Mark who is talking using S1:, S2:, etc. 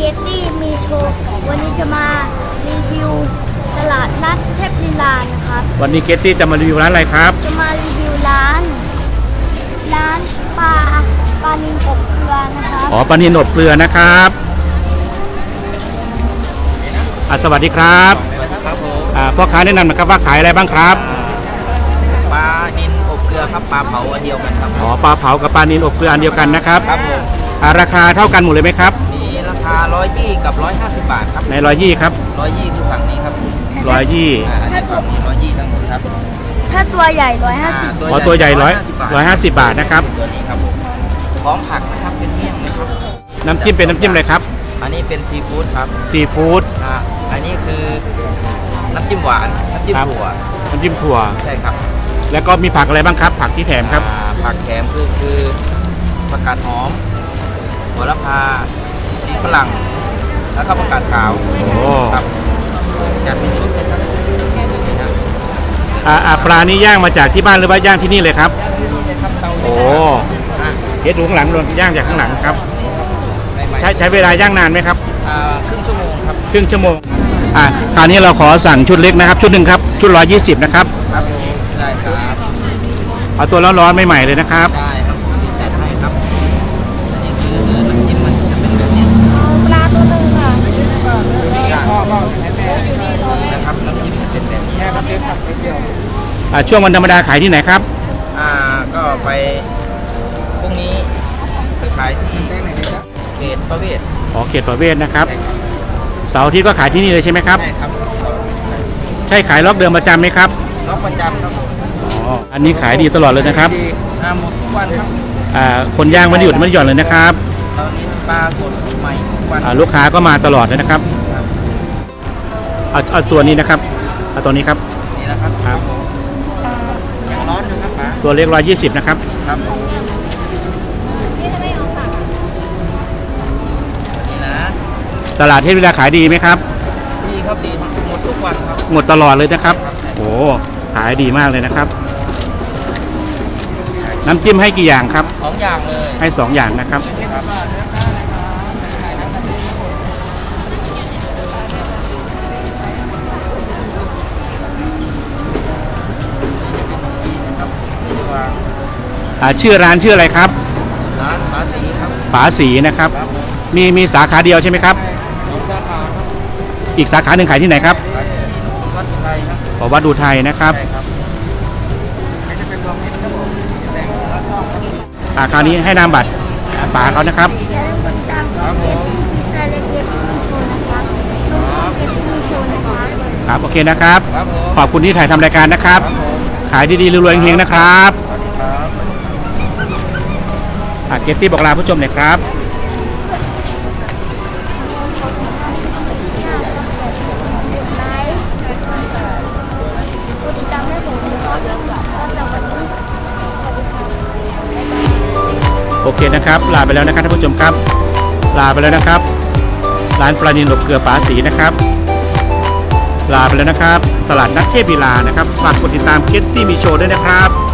S1: ตตี้มีโชว์วันนี้จะมารีวิวตลาดนัดเทพลีลานะครับ
S2: วันนี้เกตตี้จะมารีวิวร้านอะไรครับ
S1: จะมารีวิวร้านปลานิลอบเกลือนะครับ
S2: อ๋อปลานิลอบเกลือนะครับสวัสดีครับ
S3: ครับผม
S2: พ่อค้าแนะนำนะครับว่าขายอะไรบ้างครับ
S3: ปลานิลอบเกลือครับปลาเผาอันเดียวกันครับ
S2: อ๋อปลาเผากับปลานิลอบเกลืออันเดียวกันนะครับ
S3: ครับผม
S2: ราคาเท่ากันหมดเลยไหมครับ
S3: มีราคา120กับ150บาทครับ
S2: ใน120ครับ
S3: 120คือฝั่งนี้ครับ
S2: 120
S3: อันนี้ฝั่งนี้120ทั้งหมดครับ
S1: ถ้าตัวใหญ่150
S2: อ๋อตัวใหญ่150บาทนะครับ
S3: ตัวนี้ครับผมพร้อมผักนะครับเป็นเมี่ยงนะครับ
S2: น้ำจิ้มเป็นน้ำจิ้มอะไรครับ
S3: อันนี้เป็นซีฟู้ดครับ
S2: ซีฟู้ด
S3: อันนี้คือน้ำจิ้มหวานน้ำจิ้มถั่ว
S2: น้ำจิ้มถั่ว
S3: ใช่ครับ
S2: แล้วก็มีผักอะไรบ้างครับผักที่แถมครับ
S3: ผักแถมคือผักกาดหอมโหระพาสีฝรั่งแล้วก็ผักกาดขาวครับจัดเป็นชุดเลยครับ
S2: ปลานี่ย่างมาจากที่บ้านหรือว่าย่างที่นี่เลยครับโอ้เฮ็ดดูข้างหลังโดนย่างจากข้างหลังครับใช้เวลาย่างนานไหมครับ
S3: ครึ่งชั่วโมงครับ
S2: ครึ่งชั่วโมงคราวนี้เราขอสั่งชุดเล็กนะครับชุดหนึ่งครับชุด120นะครับ
S3: ครับได้ครับ
S2: เอาตัวร้อนๆใหม่ๆเลยนะครับ
S3: ได้ครับจัดให้ครับอันนี้คือน้ำจิ้มมันจะเป็นแบบนี้
S1: ปลาตัวหนึ่งค่ะ
S3: นะครับน้ำจิ้มจะเป็นแบบนี้แค่น้ำจิ้มผักเดียว
S2: ช่วงวันธรรมดาขายที่ไหนครับ
S3: ก็ไปพรุ่งนี้ไปขายที่เขตประเวศ
S2: เขตประเวศนะครับเสาร์อาทิตย์ก็ขายที่นี่เลยใช่ไหมครับ
S3: ใช่ครับ
S2: ใช่ขายล็อกเดิมประจำไหมครับ
S3: ล็อกประจำครับ
S2: อันนี้ขายดีตลอดเลยนะครับ
S3: หมดทุกวันครับ
S2: คนย่างไม่ได้หยุดไม่ได้หย่อนเลยนะครับ
S3: ตอนนี้ปลาสดใหม่ทุกวัน
S2: ลูกค้าก็มาตลอดเลยนะครับเอาตัวนี้นะครับเอาตัวนี้ครับ
S3: นี่นะครับ
S2: ครับ
S3: ยังร้อนอยู่ครับป๋า
S2: ตัวเล็ก120นะครับ
S3: ครับนี่นะ
S2: ตลาดเทพลีลาขายดีไหมครับ
S3: ดีครับดีหมดทุกวันครับ
S2: หมดตลอดเลยนะครับโอ้ขายดีมากเลยนะครับน้ำจิ้มให้กี่อย่างครับ
S3: 2อย่างเลย
S2: ให้2อย่างนะครับชื่อร้านชื่ออะไรครับ
S3: ร้านป๋าศรีครับ
S2: ป๋าศรีนะครับมีสาขาเดียวใช่ไหมครับ
S3: สาขา
S2: อีกสาขาหนึ่งขายที่ไหนครับ
S3: วัดอุทัยครับ
S2: วัดอุทัยนะครับคราวนี้ให้นามบัตรป๋าเขานะครับครับโอเคนะครับขอบคุณที่ถ่ายทำรายการนะครับขายดีๆรวยๆเฮงๆนะครับเกตตี้บอกลาผู้ชมหน่อยครับโอเคนะครับลาไปแล้วนะครับท่านผู้ชมครับลาไปแล้วนะครับร้านปลานิลอบเกลือป๋าศรีนะครับลาไปแล้วนะครับตลาดนัดเทพลีลานะครับฝากกดติดตามเกตตี้มีโชว์ด้วยนะครับ